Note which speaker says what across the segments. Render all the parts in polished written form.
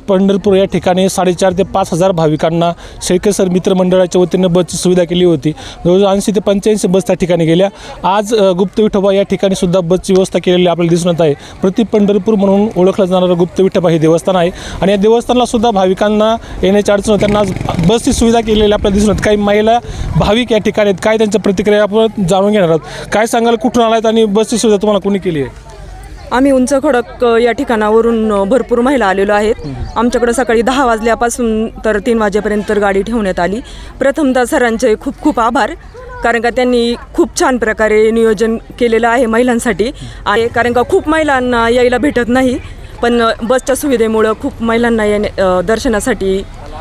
Speaker 1: पंढरपूर या ठिकाणी 4,500 ते 5,000 भाविकांना शेळके सर मित्रमंडळाच्या वतीनं बसची सुविधा केली होती। जवळजवळ 80 ते 85 बस त्या ठिकाणी गेल्या। आज गुप्त विठोबा या ठिकाणी सुद्धा बसची व्यवस्था केलेली आपल्याला दिसून येत आहे। प्रति पंढरपूर म्हणून ओळखलं जाणारं गुप्त विठोबा हे देवस्थान आहे आणि या देवस्थानाला सुद्धा भाविकांना येण्याची अडचण होती, त्यांना आज बसची सुविधा केलेली आपल्याला दिसून येते। काही महिला भाविक या ठिकाणी आहेत, काय त्यांच्या प्रतिक्रिया आपण जाणून घेणार आहोत। काय सांगाल, कुठून आलात आणि बसची सुविधा तुम्हाला कोणी केली आहे?
Speaker 2: आम्ही उंच खडक या ठिकाणावरून भरपूर महिला आलेलो आहेत। आमच्याकडे सकाळी 10 वाजल्यापासून तर 3 वाजेपर्यंत गाडी ठेवण्यात आली। प्रथमतः सरांचे खूप खूप आभार, कारण का त्यांनी खूप छान प्रकारे नियोजन केलेलं आहे महिलांसाठी आहे, कारण का खूप महिलांना यायला भेटत नाही, पण बसच्या सुविधेमुळं खूप महिलांना दर्शनासाठी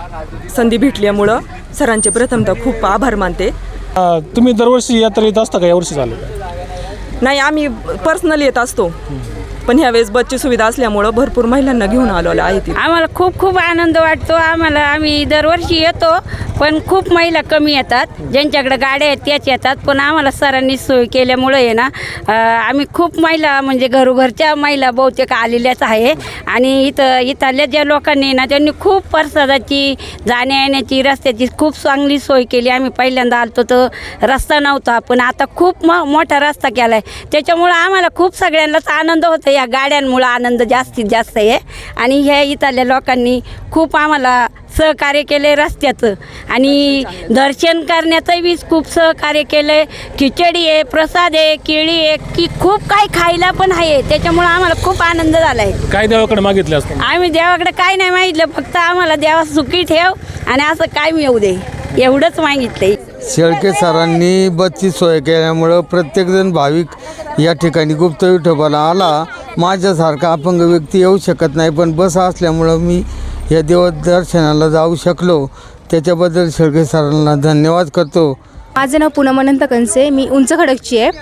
Speaker 2: संधी भेटल्यामुळं सरांचे प्रथमतः खूप आभार मानते।
Speaker 1: तुम्ही दरवर्षी यात्रा येत असता का? यावर्षी झालं?
Speaker 2: नाही, आम्ही पर्सनली येत असतो, पण ह्यावेळेस बसची सुविधा असल्यामुळं भरपूर महिलांना घेऊन आलेलो आहे।
Speaker 3: आम्हाला खूप खूप आनंद वाटतो। आम्ही दरवर्षी येतो, पण खूप महिला कमी येतात, ज्यांच्याकडे गाड्या आहेत त्याच येतात, पण आम्हाला सरांनी सोय केल्यामुळं आहे ना, आम्ही खूप महिला म्हणजे घरोघरच्या महिला बहुतेक आलेल्याच आहे। आणि इथल्या ज्या लोकांनी ना, त्यांनी खूप प्रसादाची, जाण्या येण्याची, रस्त्याची खूप चांगली सोय केली। आम्ही पहिल्यांदा आलतो तर रस्ता नव्हता, पण आता खूप मोठा रस्ता केला आहे, त्याच्यामुळं आम्हाला खूप सगळ्यांनाच आनंद होतो। या गाड्यांमुळं आनंद जास्तीत जास्त आहे आणि ह्या इथल्या लोकांनी खूप आम्हाला सहकार्य केले रस्त्याचं, आणि दर्शन करण्याचंही खूप सहकार्य केलं। खिचडी आहे, प्रसाद आहे, केळी आहे, की खूप काही खायला पण आहे, त्याच्यामुळं आम्हाला खूप आनंद झाला आहे।
Speaker 1: काय देवाकडे मागितलं असतं?
Speaker 3: आम्ही देवाकडे काय नाही मागितलं, फक्त आम्हाला देवा सुखी ठेव आणि असं काय मिळू दे, एवढंच मागितलंय।
Speaker 4: शेळके सरांनी बसची सोय केल्यामुळं प्रत्येकजण भाविक या ठिकाणी गुप्त विठोबाला आला। माझ्यासारखा अपंग व्यक्ती येऊ शकत नाही, पण बस असल्यामुळं मी या देवदर्शनाला जाऊ शकलो, त्याच्याबद्दल शेळके सरांना धन्यवाद करतो।
Speaker 5: माझं नाव पूनम अनंत कंसे, मी उंच खडकची आहे।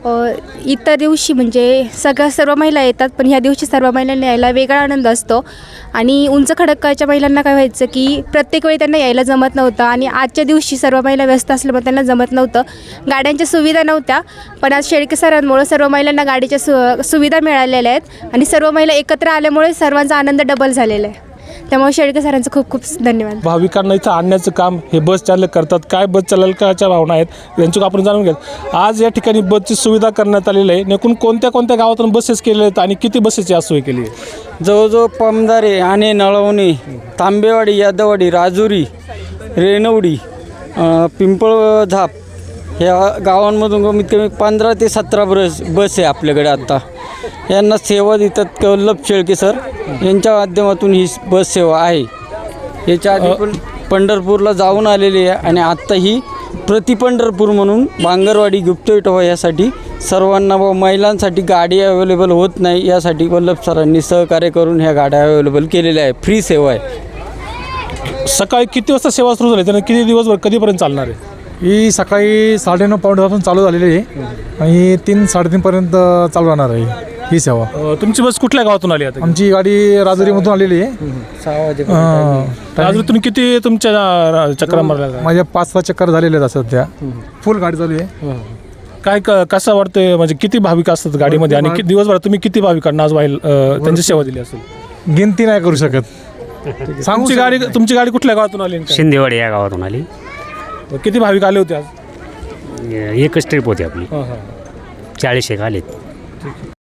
Speaker 5: इतर दिवशी म्हणजे सर्व महिला येतात, पण ह्या दिवशी सर्व महिलांना यायला वेगळा आनंद असतो। आणि उंच खडकाच्या महिलांना काय व्हायचं की प्रत्येक वेळी त्यांना यायला जमत नव्हतं, आणि आजच्या दिवशी सर्व महिला व्यस्त असल्यामुळे त्यांना जमत नव्हतं, गाड्यांच्या सुविधा नव्हत्या, पण आज शेळके सरांमुळे सर्व महिलांना गाडीच्या सुविधा मिळालेल्या आहेत आणि सर्व महिला एकत्र आल्यामुळे सर्वांचा आनंद डबल झालेला आहे। त्यामुळे शेळके सरांचं खूप खूप धन्यवाद।
Speaker 1: भाविकांना इथं आणण्याचं काम हे बस चालक करतात। काय बस चालकाच्या भावना आहेत यांची आपण जाणून घेत। आज या ठिकाणी बसची सुविधा करण्यात आलेली आहे। एकूण कोणत्या कोणत्या गावातून बसेस केलेल्या आहेत आणि किती बसेसची आज सोय केली आहे?
Speaker 6: जवळजवळ पमदारे आणि नळवणी, तांबेवाडी, यादवाडी, राजुरी, रेणवडी, पिंपळझाप ह्या गावांमधून कमीत कमी 15 ते 17 बस आहे आपल्याकडे आत्ता। यांना सेवा देतात वल्लभ शेळके सर यांच्या माध्यमातून ही बस सेवा आहे। याच्या आधी पण पंढरपूरला जाऊन आलेली आहे आणि आत्ता ही प्रति पंढरपूर म्हणून बांगरवाडी गुप्त विठोबा यासाठी सर्वांना व महिलांसाठी गाडी अवेलेबल होत नाही, यासाठी वल्लभ सरांनी सहकार्य करून ह्या गाड्या अवेलेबल केलेल्या आहे। फ्री सेवा आहे।
Speaker 1: सकाळी किती वाजता सेवा सुरू झाली, त्यांना किती दिवसभर कधीपर्यंत चालणार आहे?
Speaker 7: ही सकाळी 9:30 पासून चालू झालेली आहे आणि 3-3:30 पर्यंत चालू राहणार आहे ही सेवा।
Speaker 1: तुमची बस कुठल्या गावातून आली आता?
Speaker 7: आमची गाडी राजुरीमधून आलेली आहे।
Speaker 6: 6 वाजेपर्यंत।
Speaker 1: राजुरीतून किती तुमच्या चक्रा मारल्या?
Speaker 7: माझ्या 5-6 चक्कर झालेले आहेत सध्या, फुल गाडी चालू आहे।
Speaker 1: काय कसं वाटतंय, म्हणजे किती भाविक असतात गाडीमध्ये आणि दिवसभरात तुम्ही किती भाविकांना आज त्यांची सेवा दिली असेल?
Speaker 7: गिनती नाही करू शकत।
Speaker 1: तुमची गाडी कुठल्या गावातून आली?
Speaker 8: शिंदेवाडी या गावातून आली।
Speaker 1: किती भाविक आले होते आज?
Speaker 8: एकच ट्रिप होती आपली, 40 एक आलेत।